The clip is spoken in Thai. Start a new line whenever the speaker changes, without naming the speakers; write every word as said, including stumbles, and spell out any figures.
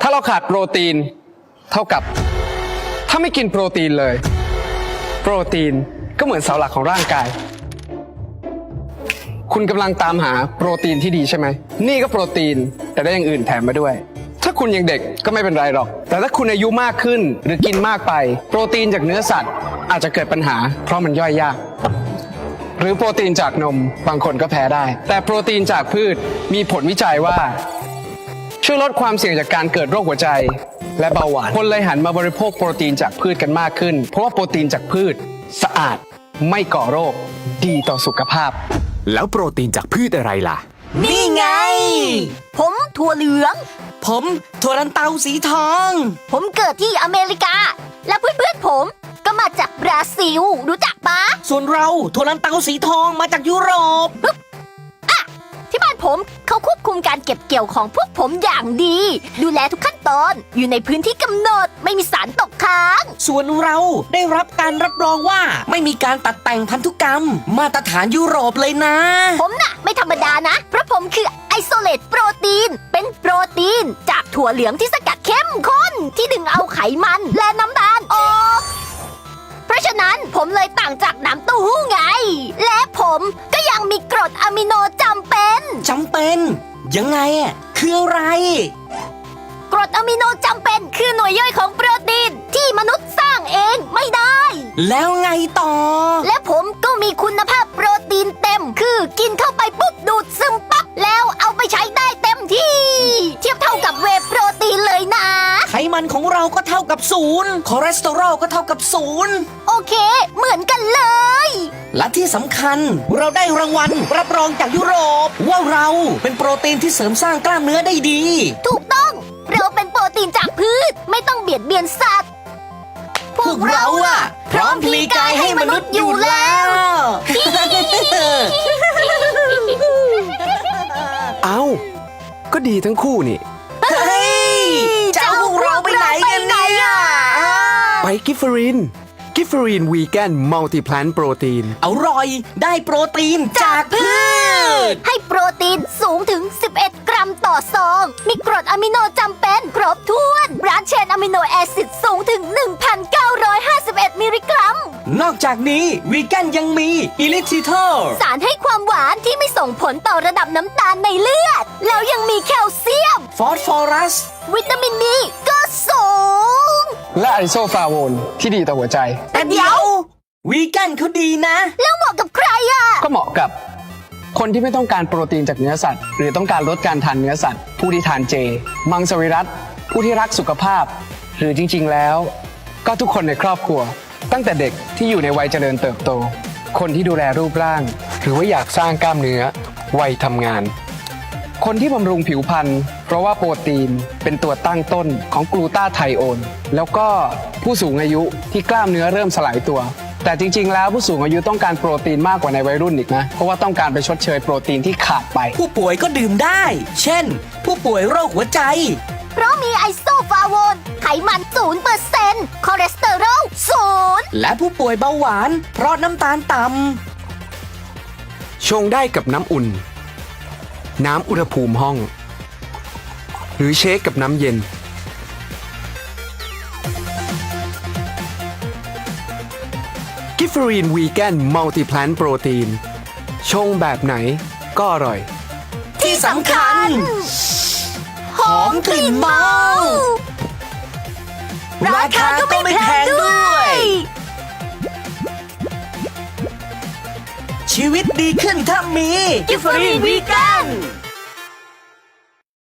าเราขาดโปรตีนเท่ากับถ้าไม่กินโปรตีนเลยโปรตีนก็เหมือนเสาหลักของร่างกายคุณกำลังตามหาโปรตีนที่ดีใช่ไหมนี่ก็โปรตีนแต่ได้อย่างอื่นแถมมาด้วยถ้าคุณยังเด็กก็ไม่เป็นไรหรอกแต่ถ้าคุณอายุมากขึ้นหรือกินมากไปโปรตีนจากเนื้อสัตว์อาจจะเกิดปัญหาเพราะมันย่อยยากหรือโปรตีนจากนมบางคนก็แพ้ได้แต่โปรตีนจากพืชมีผลวิจัยว่าช่วยลดความเสี่ยงจากการเกิดโรคหัวใจและเบาหวานคนเลยหันมาบริโภคโปรตีนจากพืชกันมากขึ้นเพราะว่าโปรตีนจากพืชสะอาดไม่ก่อโรคดีต่อสุขภาพ
แล้วโปรตีนจากพืชอะไรล่ะ
นี่ไงผมถั่วเหลือง
ผมถั่วลันเตาสีทอง
ผมเกิดที่อเมริกาและเพื่อนๆผมก็มาจากบราซิลรู้จักปะ
ส่วนเราถั่วลันเตาสีทองมาจากยุโรป
อะที่บ้านผมเขาควบคุมการเก็บเกี่ยวของพวกผมอย่างดีดูแลทุกขั้นตอนอยู่ในพื้นที่กำหนดไม่มีสารตกค้าง
ส่วนเราได้รับการรับรองว่าไม่มีการตัดแต่งพันธุกรรมมาตรฐานยุโรปเลยนะ
ผมน่ะไม่ธรรมดานะเพราะผมคือไอโซเลตโปรตีนเป็นโปรตีนจากถั่วเหลืองที่สกัดเข้มข้นที่ดึงเอาไขมันและน้ำตาลออกเพราะฉะนั้นผมเลยต่างจากน้ำเต้าหู้ไงและผมก็ยังมีกรดอะมิโนจำเป็น
จำเป็นยังไงอ่ะคืออะไร
กรดอะมิโนจำเป็นคือหน่วยย่อยของโปรตีนที่มนุษย์สร้างเองไม่ได้
แล้วไงต่อ
และผมก็มีคุณภาพโปรตีนเต็มคือกินเข้าไปปุ๊บดูดซึมปั๊บแล้วเอาไปใช้ได้เต็มที่เทียบเท่ากับเวย์โปรตีนเลยนะ
ไขมันของเราก็เท่ากับศูนย์คอเลสเตอรอลก็เท่ากับศูนย์
โอเคเหมือนกันเลย
และที่สำคัญเราได้รางวัลรับรองจากยุโรปว่าเราเป็นโปรตีนที่เสริมสร้างกล้ามเนื้อได้ดี
ถูกต้องเราเป็นโปรตีนจากพืชไม่ต้องเบียดเบียนสัตว์
พวกเราอะพร้อมพลีกายให้มนุษย์อยู่แล้ว
เอ้าก็ดีทั้งคู่นี่
เฮ้ยจะเอาพวกเราไปไหนกันเนี่ย
ไปกิฟเฟอรินกิฟเฟอรินวีแกนมัลติแพลนโปรตีน
อร่อยได้โปรตีนจากพืช
ให้โปรตีนสูงถึงสิบเอ็ดกรัมต่อซองมีกรดอะมิโนจำเป็นครบถ้วนบรานช์เชนอะมิโนแอซิดสูงถึง หนึ่งพันเก้าร้อยห้าสิบเอ็ด มิลลิกรัม
นอกจากนี้วีแกนยังมีอิลิทิเทอร์
สารให้ความหวานที่ไม่ส่งผลต่อระดับน้ำตาลในเลือดแล้วยังมีแคลเซียม
ฟอสฟอรัส
วิตามินดีก็สูง
และไอโซฟลาโวนที่ดีต่อหัวใจ
แต่เดี๋ยววีแกนเขาดีนะ
แล้วเหมาะกับใครอ่ะ
ก็เหมาะกับคนที่ไม่ต้องการโปรตีนจากเนื้อสัตว์หรือต้องการลดการทานเนื้อสัตว์ผู้ที่ทานเจมังสวิรัติผู้ที่รักสุขภาพหรือจริงๆแล้วก็ทุกคนในครอบครัวตั้งแต่เด็กที่อยู่ในวัยเจริญเติบโตคนที่ดูแลรูปร่างหรือว่าอยากสร้างกล้ามเนื้อวัยทำงานคนที่บำรุงผิวพรรณเพราะว่าโปรตีนเป็นตัวตั้งต้นของกลูตาไทโอนแล้วก็ผู้สูงอายุที่กล้ามเนื้อเริ่มสลายตัวแต่จริงๆแล้วผู้สูงอายุต้องการโปรตีนมากกว่าในวัยรุ่นอีกนะเพราะว่าต้องการไปชดเชยโปรตีนที่ขาดไป
ผู้ป่วยก็ดื่มได้เช่นผู้ป่วยโรคหัวใจ
เพราะมีไอโซฟลาโวนไขมัน ศูนย์เปอร์เซ็นต์ คอเลสเตอรอล ศูนย์
และผู้ป่วยเบาหวานเพราะน้ำตาลต่ำ
ชงได้กับน้ำอุ่นน้ำอุณหภูมิห้องหรือเชคกับน้ำเย็นกิฟเฟอรีนวีแกนมัลติแพลนโปรตีนชงแบบไหนก็อร่อย
ที่สำคัญหอมกลิ่นเมาราคาก็ไม่แพงด้วยชีวิตดีขึ้นถ้ามีกิฟเฟอรีนวีแกน